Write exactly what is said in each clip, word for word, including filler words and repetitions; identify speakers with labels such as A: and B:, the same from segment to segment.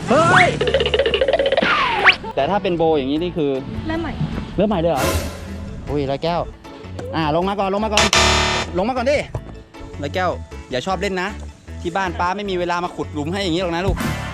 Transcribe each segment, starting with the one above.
A: เฮ้ยแต่ถ้าเป็นโบอย่างนี้นี่คือ
B: เริ่มใหม่
A: เริ่มใหม่เลยเหรออุ้ยร้อยแก้วอ่าลงมาก่อนลงมาก่อนลงมาก่อนดิร้อยแก้วอย่าชอบเล่นนะที่บ้านป้าไม่มีเวลามาขุดหลุมให้อย่างนี้หรอกนะลูก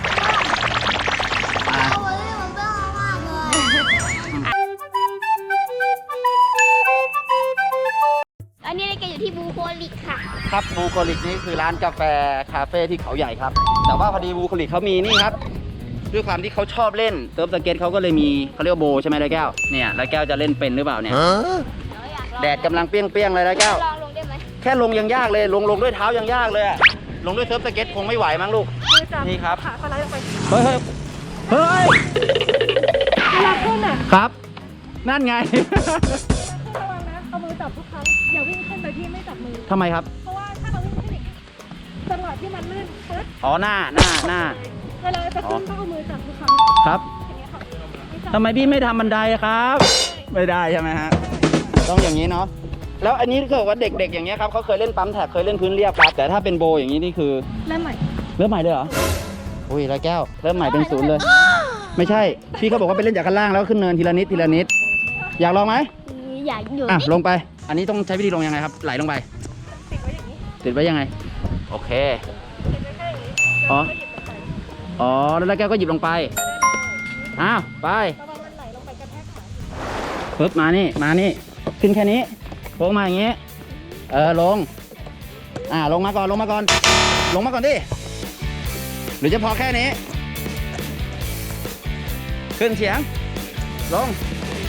B: อันนี้เราอยู่ที่บูโคลิกค่ะ
A: ครับบูโคลิกนี่คือร้านกาแฟคาเฟ่ที่เขาใหญ่ครับแต่ว่าพอดีบูโคลิกเขามีนี่ครับด้วยความที่เขาชอบเล่นเติร์ฟสเก็ตเขาก็เลยมีเขาเรียกว่าโบใช่ไหมร้อยแก้วเนี่ยร้อยแก้วจะเล่นเป็นหรือเปล่าเนี่ยแดดกำลังเปรี้ยงๆเลยร้อยแก้ว
B: ลองลงได้ไหม
A: แค่ลงยังยากเลยลงลงด้วยเท้ายังยากเลยอะลงด้วยเซิร์ฟสเก็ตคงไม่ไหวมั้งลูกนี่ครับ
B: ขาเขาไล่ลงไป
A: เฮ้ยเฮ้ยเฮ้ย
B: เวลาขึ้นอ่ะ
A: ครับนั่นไง
B: ระวังนะเอามือจับทุกครั้งอย่าวิ่งขึ้นโดยที่ไม่จับมือ
A: ทำไมครับ
B: เพราะว่าถ้าเราวิ่งขึ้นอีกจังหวะที่มันลื่นปึ๊บ
A: อ๋อหน้าหน้าหน้า
B: เวลาจะขึ้นต้องเอามือจับทุกครั้ง
A: ครับทำไมพี่ไม่ทำบันไดครับไม่ได้ใช่ไหมฮะต้องอย่างนี้เนาะแล้วอันนี้คือว่าเด็กๆอย่างเงี้ยครับเขาเคยเล่นปั๊มแท็กเคยเล่นพื้นเรียบครับแต่ถ้าเป็นโบอย่างนี้นี่คือ
B: เริ่มใหม่
A: เริ่มใหม่เลยเหรออุ้ยร้อยแก้วเริ่มใหม่เป็นศูนย์เลยไม่ใช่พี่เขาบอกว่าไปเล่นจากข้างล่างแล้วขึ้นเนินทีละนิดทีละนิดอยากลองไหม
B: อยากอยู่
A: อ่ะลงไปอันนี้ต้องใช้วิธีลงยังไงครับไหลลงไป
B: ติดไว้อย่างนี้
A: ติดไว้ยังไงโอเคอ๋ออ๋อแล้วร้อยแก้วก็หยิบลงไปอ้าวไปปึ๊บมานี่มานี่ขึ้นแค่นี้ลงมาอย่างงี้เออลงอ่าลงมาก่อนลงมาก่อนลงมาก่อนดิหรือจะพอแค่นี้ขึ้นเสียงลง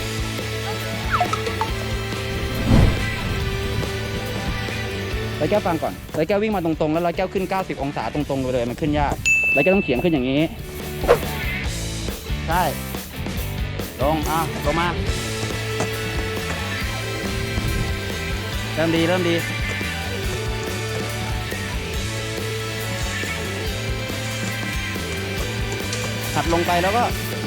A: ร้อยแก้วฟังก่อนร้อยแก้ววิ่งมาตรงๆแล้วร้อยแก้วขึ้นเก้าสิบองศาตรงๆเลยมันขึ้นยากร้อยแก้วต้องเฉียงขึ้นอย่างนี้ใช่ลงอ่ะลงมาเริ่มดีเริ่มดีหัดลงไปแล้วก็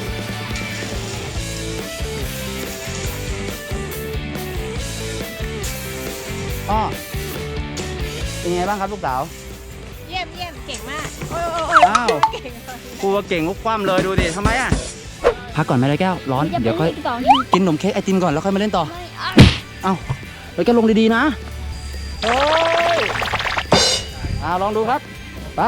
A: อ้อเป็นไงบ้างครับลูกสาว
B: เยี่ยมเยี่ยมเก่งมาก
A: อ้าวครูเก่งลุกคว่ำเลยดูดิทำไมอ่ะพักก่อนไหมเลยแก้วร้อนเดี๋ยวค่อยกินขนมเค้กไอติมก่อนแล้วค่อยมาเล่นต่อเอ้าเลยแก้วลงดีๆนะเฮ้ยอ่าลองดูครับไป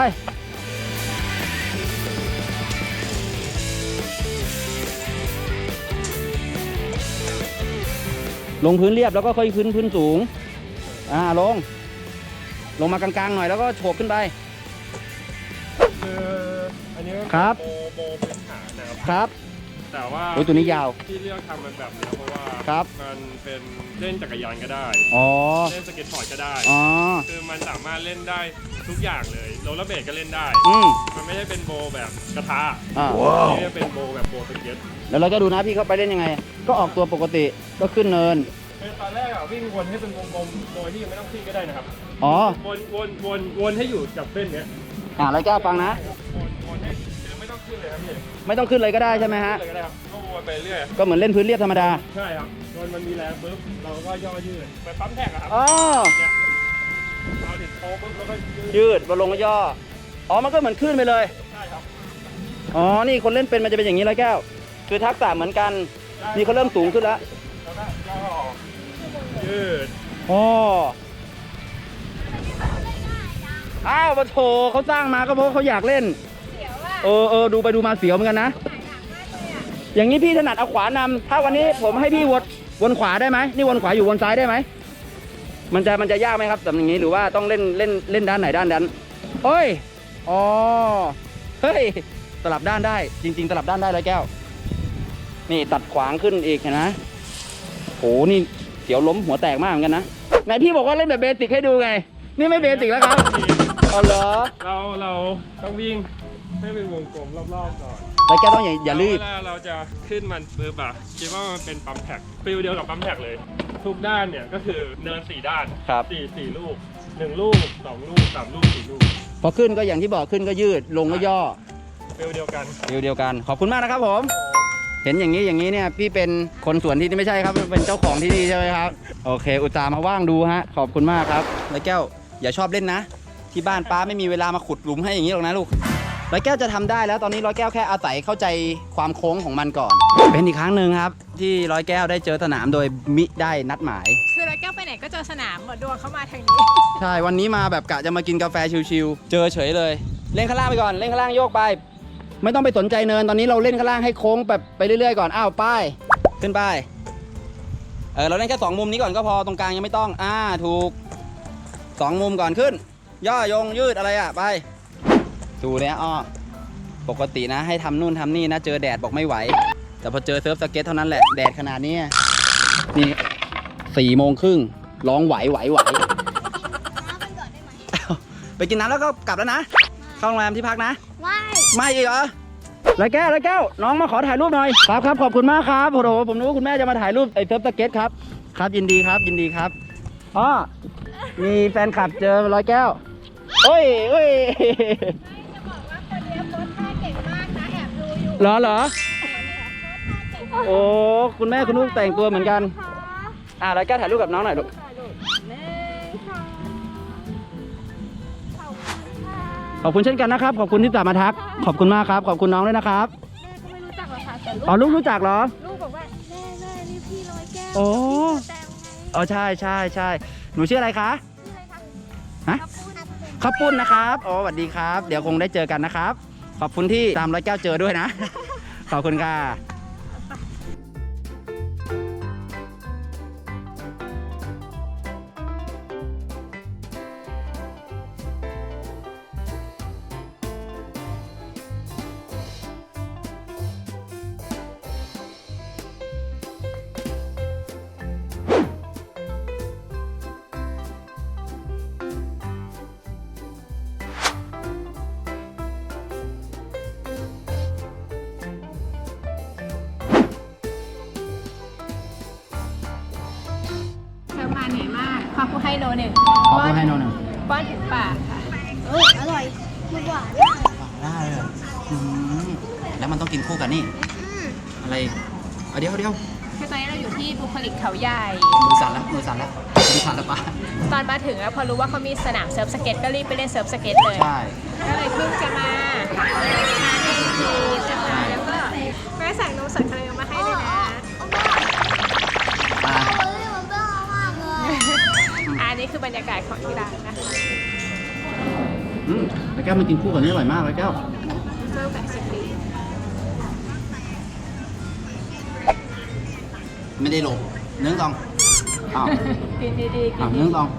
A: ลงพื้นเรียบแล้วก็ค่อยขึ้นพื้นสูงอ่าลงลงมากลางๆหน่อยแล้วก็โฉบขึ้นไป
C: คืออันนี้ก็
A: ครับ
C: โบโบพื้นฐานนะครับ
A: ครับ
C: แต่ว่า
A: โอ้ตัวนี้ยาว
C: ที่เลือกทำมันแบบนี้เพราะว่า
A: ครับ
C: มันเป็นเล่นจักรยานก็ได้
A: อ๋อ
C: เล่นสเก็ตบอร์ดก็ได้
A: อ๋อ
C: คือมันสามารถเล่นได้ทุกอย่างเลยโรลเลอร์เบลดก็เล่นได้
A: อืม
C: มันไม่ใช่เป็นโบแบบกระทะ
A: อ่า
C: นี่เป็นโบแบบโบสเก็ต
A: แล้วเราก็ดูนะพี่เขาไปเล่นยังไงก็ออกตัวปกติก็ขึ้นเนิน
C: ตอนแรกอ่ะวิ่งวนให้เป็นวงกลมโดยที่ยังไม่ต้องขึ้นก็ได้นะครับ
A: อ๋อ
C: วนวนวนวนให้อยู่กับเส้นเนี้ย
A: อ่าแล้วแก้วฟังนะ
C: วนวนให้ไม่ต้องขึ้นเลยครับพี่
A: ไม่ต้องขึ้นเลยก็ได้ใช่ไหมฮะ
C: ก็ได้ครับก็วนไปเรื่อย
A: ก็เหมือนเล่นพื้นเรียบธรรมดา
C: ใช่ครับโดนมันมีแรงปุ๊บเราก็ย่อยืดไปปั๊มแท็กอะครับ
A: อ๋อ
C: เราติดโค้งปุ๊บแล้วก็
A: ยืดมาลงก็ย่ออ๋อมันก็เหมือนขึ้นไปเลย
C: ใช่ครับ
A: อ๋อนี่คนเล่นเป็นมันจะเป็นอย่างนี้แล้วแก้วคือทักษะเหมือนกันนี่เขาเริ่มสูงขึ้นแล้ว
C: แล้วก็ย่อยืด
A: อ๋ออ้าวปะโถเขาสร้างมาก็เพราะเขาอยากเล่นเออเออดูไปดูมาเสียวเหมือนกันนะอย่างนี้พี่ถนัดเอาขวานำถ้าวันนี้ผมให้พี่วนวนขวาได้ไหมนี่วนขวาอยู่วนซ้ายได้ไหมมันจะมันจะยากไหมครับแบบอย่างนี้หรือว่าต้องเล่นเล่นเล่นด้านไหนด้านนั้นเฮ้ยอ๋อเฮ้ยสลับด้านได้จริงๆสลับด้านได้เลยแก้วนี่ตัดขวางขึ้นอีกเห็นไหมโหนี่เสียวล้มหัวแตกมากเหมือนกันนะไหนพี่บอกว่าเล่นแบบเบสิกให้ดูไงนี่ไม่เบสิกแล้วครับอ๋อเหรอ
C: เราเราต้องวิ่งให้เป็นวงกลมรอบๆก่อน
A: แล้วแกต้องอย่าอย่ารีบ
C: เวลาเราจะขึ้นมันปึ๊บอะคิดว่ามันเป็นปั๊มแท็กฟิลเดียวกับปั๊มแท็กเลยทุกด้านเนี่ยก็คือเนินสี่ด้านสี่สี่ลูกหนึ่งลูกสองลูกสามลูกสี่ลูก
A: พอขึ้นก็อย่างที่บอกขึ้นก็ยืดลงก็ย่อ
C: ฟิลเดียวกัน
A: ฟิลเดียวกันขอบคุณมากนะครับผมเห็นอย่างนี้อย่างนี้เนี่ยพี่เป็นคนสวนที่นี่ไม่ใช่ครับเป็นเจ้าของที่นี่ใช่ไหมครับโอเคอุตส่าห์มาว่างดูฮะขอบคุณมากครับแล้วแก้วอย่าชอบเล่นนะที่บ้านป้าไม่มีเวลามาขุดหลุมให้อย่างนี้หรอกนะลูกร้อยแก้วจะทำได้แล้วตอนนี้ร้อยแก้วแค่อาศัยเข้าใจความโค้งของมันก่อน เป็นอีกครั้งหนึ่งครับ ที่ร้อยแก้วได้เจอสนามโดยมิได้นัดหมาย
B: คือร้อยแก้วไปไหนก็เจอสนามหมดดวงเข้ามาทางนี้
A: ใช่วันนี้มาแบบกะจะมากินกาแฟชิลๆเจอเฉยเลยเล่นข้างล่างไปก่อนเล่นข้างล่างโยกไป ไม่ต้องไปสนใจเนินตอนนี้เราเล่นข้างล่างให้โค้งแบบไปเรื่อยๆก่อนอ้าวไปขึ้นไปเออเราเล่นแค่สองมุมนี้ก่อนก็พอตรงกลางยังไม่ต้องอ่าถูกสองมุมก่อนขึ้น ย่อยงยืดอะไรอ่ะไปดูเนี่ยอ้อปกตินะให้ทำนู่นทำนี่นะเจอแดดบอกไม่ไหวแต่พอเจอเซิร์ฟสเก็ตเท่านั้นแหละแดดขนาดนี้นี่สี่โมงครึ่งร้องไหวไหวไหวไปกินน้ำแล้วก็กลับแล้วนะเข้าโรงแรมที่พักนะไม่ไม่อีกเหรอไรแก้วไรแก้วน้องมาขอถ่ายรูปหน่อยครับครับขอบคุณมากครับโอ้โหผมนึกว่าคุณแม่จะมาถ่ายรูปไอ้เซิร์ฟสเก็ตครับครับยินดีครับยินดีครับอ๋อมีแฟนคลับเจอร้อยแก้วโอ้ยโอ้ย
B: จะบอกว่าคนนี้โพสท่าเก่งมากนะแอบดูอยู่
A: เหรอเหรอโอ้คุณแม่คุณลูกแต่งตัวเหมือนกันอ่ะร้อยแก้วถ่ายรูปกับน้องหน่อยลูกขอบคุณเช่นกันนะครับขอบคุณที่ตามมาทักขอบคุณมากครับขอบคุณน้องด้วยนะครับ
B: แม่ก็ไม่รู้จักหรอกค่ะแต่ลูก
A: อ๋อลูกรู้จักเหรอ
B: ลูกบอกว่าแม่แม่นี่พี่ร้อยแก้ว
A: โอ้
B: แต้มไง
A: อ๋อใช่ใช่ใช่หนูชื่ออะไรคะ
B: ชื่ออะไรคะ
A: ฮะข้าวปุ้นนะครับอ๋อสวัสดีครับเดี๋ยวคงได้เจอกันนะครับขอบคุณที่ตามร้อยแก้วเจอด้วยนะ ขอบคุณค่ะ
B: เธอมาเหนื่อยมากขอบคุณให้โนหนึ่ง
A: ขอบคุณให้น้องหนึ่ง
B: ป้อนถึงปากค่ะ
D: เอออร่อยมันหวาน
A: ได้เลยอืมแล้วมันต้องกินคู่กันนี่อะไรเอาเดี๋ยวเดี๋ยว
B: คือตอนนี้เราอยู่ที่บุคลิกเขาใหญ่
A: มือสั่นแล้วมือสั่นแล้วมือสั่นแล้วปะ
B: ตอนมาถึงอะพอรู้ว่าเขามีสนามเซิร์ฟสเก็ตก็รีบไปเล่นเซิร์ฟสเก็ตเลย
A: ใช่
B: ก็เลยเพิ่งจะมาทานเองทีจะมาแล้วก็แม่สั่งนมสดคาราเมลมาให้ด้วยนะ
A: อ่ะ
D: เฮ้ยมันเปรี้ยวมากเลย
B: อันนี้คือบรรยากาศของที่ร้านนะคะ
A: อืมแล้วแก้วมันกินคู่กันนี่อร่อยมากเลยแก้ว
B: เริ่มแบบสิบปี
A: ไม่ได้ลงเนื้อตองอ้าว
B: กินดีๆกิ
A: อ้าวน
B: ดี
A: เนื้อตอง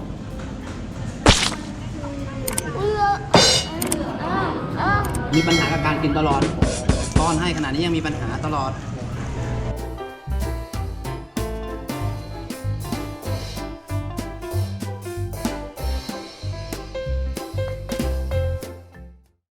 D: เออเออเออ
A: มีปัญหากับการกินตลอดป้อนให้ขนาดนี้ยังมีปัญหาตลอด
D: เ